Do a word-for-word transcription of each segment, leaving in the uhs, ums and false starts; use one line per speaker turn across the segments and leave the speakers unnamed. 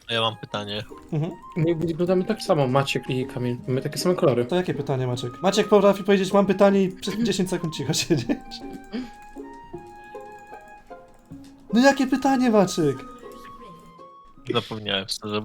Ja mam pytanie.
Mhm.
My wyglądamy tak samo, Maciek i Kamil. Mamy takie same kolory.
To jakie pytanie, Maciek? Maciek potrafi powiedzieć, mam pytanie i przez dziesięć sekund cicho siedzieć. No jakie pytanie, Maciek?
Zapomniałem szczerze.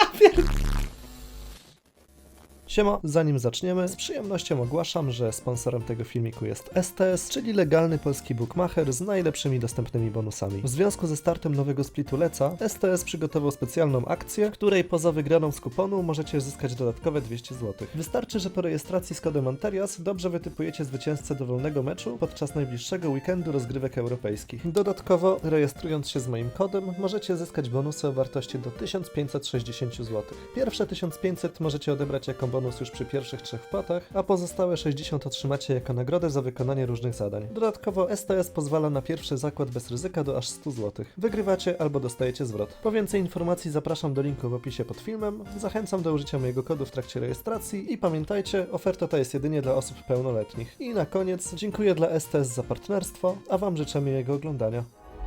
Siema, zanim zaczniemy, z przyjemnością ogłaszam, że sponsorem tego filmiku jest S T S, czyli legalny polski bookmacher z najlepszymi dostępnymi bonusami. W związku ze startem nowego splitu Leca, S T S przygotował specjalną akcję, w której poza wygraną z kuponu możecie zyskać dodatkowe dwieście złotych. Wystarczy, że po rejestracji z kodem Anterias dobrze wytypujecie zwycięzcę dowolnego meczu podczas najbliższego weekendu rozgrywek europejskich. Dodatkowo, rejestrując się z moim kodem, możecie zyskać bonusy o wartości do tysiąc pięćset sześćdziesiąt złotych. Pierwsze tysiąc pięćset możecie odebrać jako bonus już przy pierwszych trzech wpłatach, a pozostałe sześćdziesiąt otrzymacie jako nagrodę za wykonanie różnych zadań. Dodatkowo S T S pozwala na pierwszy zakład bez ryzyka do aż stu złotych. Wygrywacie albo dostajecie zwrot. Po więcej informacji zapraszam do linku w opisie pod filmem, zachęcam do użycia mojego kodu w trakcie rejestracji i pamiętajcie, oferta ta jest jedynie dla osób pełnoletnich. I na koniec dziękuję dla S T S za partnerstwo, a wam życzę miłego oglądania.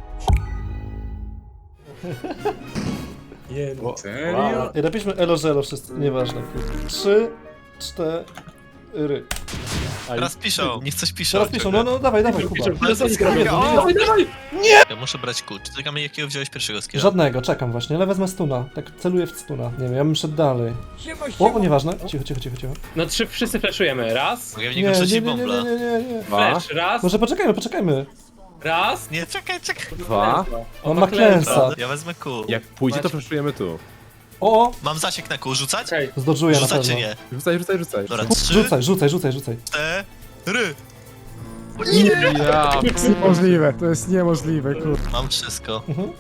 Jedno.
Wow. I napiszmy elo żelo wszyscy, nieważne. Trzy, cztery.
Teraz piszą, niech coś piszą.
Teraz piszą, no no dawaj, dawaj, Kuba.
Dawaj, dawaj!
Ja muszę brać klucz. Czekamy, jakiego wziąłeś pierwszego skiera.
Żadnego, czekam właśnie, ale wezmę stuna. Tak celuję w stuna. Nie wiem, ja bym szedł dalej. O, o nieważne. Cicho, cicho, cicho, cicho.
No trzy, wszyscy flashujemy. Raz.
Mogę w
Nie,
niego
nie,
rzucić
nie, nie, nie,
bombla.
nie, nie, nie.
Flash, raz.
Może poczekajmy, poczekajmy.
Raz.
Nie, czekaj, czekaj.
Dwa.
On ma klęsa.
Ja wezmę kół.
Jak pójdzie, to przeszujemy tu.
O,
Mam zasięg na kół, rzucać?
Okej.
zdodżuję na
Rzucać
pewno.
czy nie?
Rzucaj, rzucaj, rzucaj.
Dobra, trzy,
Rzucaj, rzucaj, rzucaj, rzucaj.
cztery.
Ja,
To jest niemożliwe, to jest niemożliwe, kurde.
Mam wszystko.
Mhm.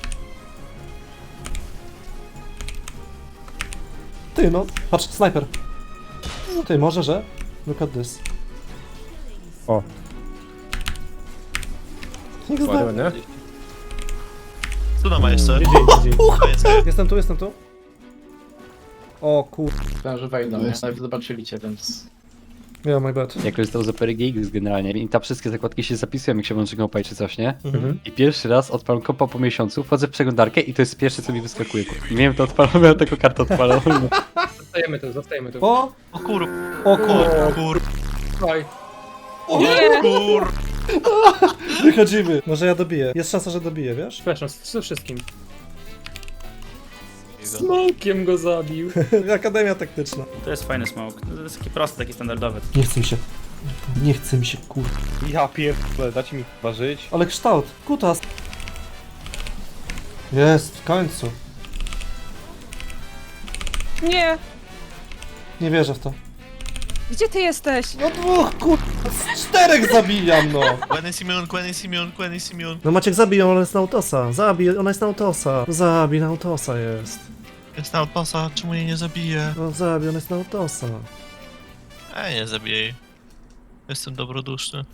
Ty no, patrz, snajper. Ty, może, że? Look at this.
O.
Niech zna.
ładnie, nie?
Tu ma jeszcze.
G G, G G.
Koniec.
Jestem tu, jestem tu. O kur...
Myślałem, że wejdą, nie? Nawet zobaczyli cię, więc...
Yeah, my bad.
Jak korzystał z Opery G X generalnie i tam wszystkie zakładki się zapisują, jak się włączy kompa czy coś, nie?
Mhm.
I pierwszy raz odpalam kompa po miesiącu, wchodzę w przeglądarkę i to jest pierwsze, co mi wyskakuje. I miałem to odpalone, miałem taką kartę odpaloną.
Zostajemy tu, zostajemy tu.
O!
O kur...
O kur...
Kur... Kur...
Dawaj.
O
Kur...
Wychodzimy. Może ja dobiję. Jest szansa, że dobiję, wiesz?
Przepraszam, z wszystkim. Smokiem go zabił.
Akademia taktyczna.
To jest fajny smoke. To jest taki prosty, taki standardowy.
Nie chce mi się. Nie chce mi się, kur...
Ja pierdolę, dajcie mi chyba żyć.
Ale kształt. Kutas. Jest, w końcu.
Nie!
Nie wierzę w to.
Gdzie ty jesteś?
No dwóch, kur... Z czterech zabijam, no.
Gwen jest immune, Gwen jest immune, Gwen jest immune.
No Maciek zabij ją, ona jest na autosa. Zabij, ona jest na autosa. Zabij, na autosa jest.
Jest na outposta, czemu jej nie zabije?
No zabij, ona jest na autosa.
Ej, nie zabiję jej. Jestem dobroduszny.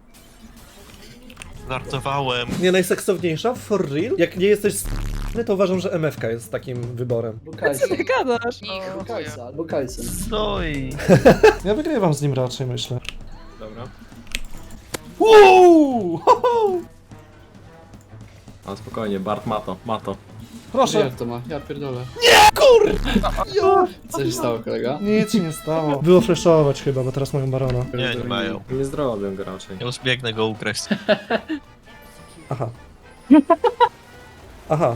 Żartowałem.
Nie najseksowniejsza? For real? Jak nie jesteś s***ny, to uważam, że M F K jest takim wyborem.
Co ty gadasz?
Kajsa, albo Kajsa.
No i...
Ja wygrywam z nim raczej, myślę.
Dobra.
Uuu!
Ale spokojnie, Bart ma to, ma to.
Proszę.
Jak to ma? Ja pierdolę.
Jo!
Co się stało, kolega?
Nic się nie stało. Było flashować chyba, bo teraz mają barona.
Nie, nie mają.
Nie zrobię go raczej.
Ja już biegnę go ukraść.
Aha. Aha.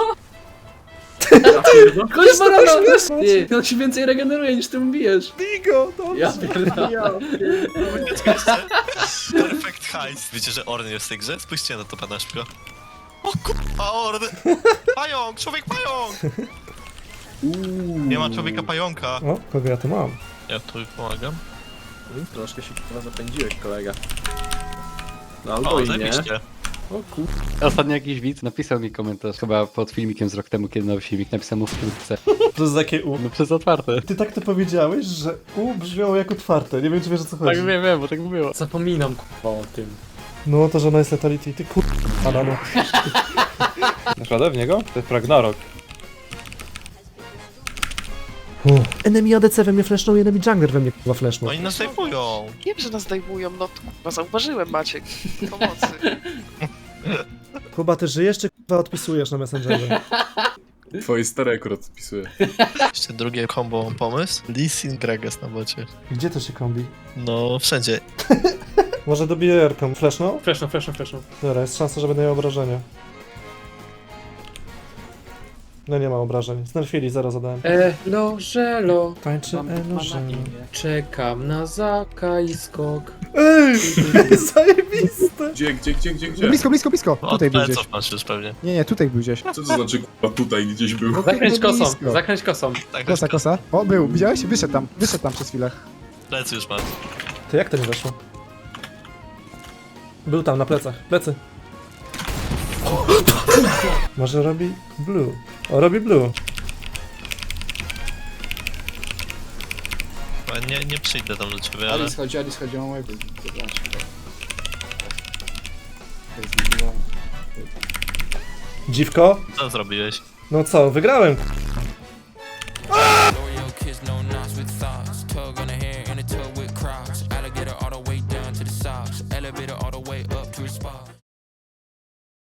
Koleś barona! Ty, on się więcej regeneruje niż ty mu bijesz.
Bigo!
Ja pierdolę.
Ucieczka jeszcze. Perfect heist. Wiecie, że Orn jest w tej grze? Spójrzcie na to, pana szpio. O kurwa, Orn! Pająk! Człowiek pająk! Nie ma człowieka pająka.
O, kogo ja tu mam?
Ja tu pomagam.
Mm, Troszkę się chyba zapędziłeś, kolega. No
O,
albo i nie.
zajebiście.
O kur...
Ostatnio jakiś widz napisał mi komentarz, chyba pod filmikiem z rok temu, kiedy nowy filmik, napisał mu wkrótce.
To jest takie U.
No przez otwarte.
Ty tak to powiedziałeś, że U brzmiało jak otwarte. Nie wiem, czy wiesz, o co chodzi.
Tak wiem, wiem, bo tak było.
Zapominam kurwa o tym.
No to, że ona jest letality. Ty kur... Adamo.
Naprawdę w niego? To jest Ragnarok.
Enemy A D C we mnie flashnął, enemy jungler we mnie kurwa flashnął.
Oni nas zajmują.
Wiem, że nas zdejmują, no to kurwa zauważyłem, Maciek. Pomocy.
Kuba, ty żyjesz, czy kurwa odpisujesz na Messengerze?
Twoje stare akurat spisuję.
Jeszcze drugie combo mam pomysł. Lee Sin Gragas na bocie.
Gdzie to się kombi?
No, wszędzie.
Może dobiję Jarką. Fleszną?
Fleszną, fleszną, fleszną.
Dobra, jest szansa, że będę miał obrażenia. No nie ma obrażeń. Znerfili, zero zadałem.
Elo, żelo,
Tańczy elo, żelo.
czekam na Zaka i skok.
Ej! Zajebiste!
Gdzie, gdzie, gdzie, gdzie,
No
gdzie?
blisko, blisko, blisko.
Od
Tutaj był gdzieś.
pleców masz już pewnie.
Nie, nie, tutaj był gdzieś.
Co to znaczy kurwa tutaj gdzieś był?
Zakręć
No
kosą,
blisko.
zakręć kosą.
Tak,
Kosa, kosa. O, był. Widziałeś? Wyszedł tam. Wyszedł tam przez chwilę.
plecy już masz.
To jak to nie weszło? Był tam, na plecach. Plecy. Może robi blue. O, robi blue.
Chyba Nie, nie przyjdę tam do ciebie, ale...
Alice chodzi, Alice chodzi, mam łeb.
Dziwko?
Co zrobiłeś?
No co, wygrałem.
Tug on the hair and a tug with Crocs. Alligator all the way down to the socks. Elevator all the way up.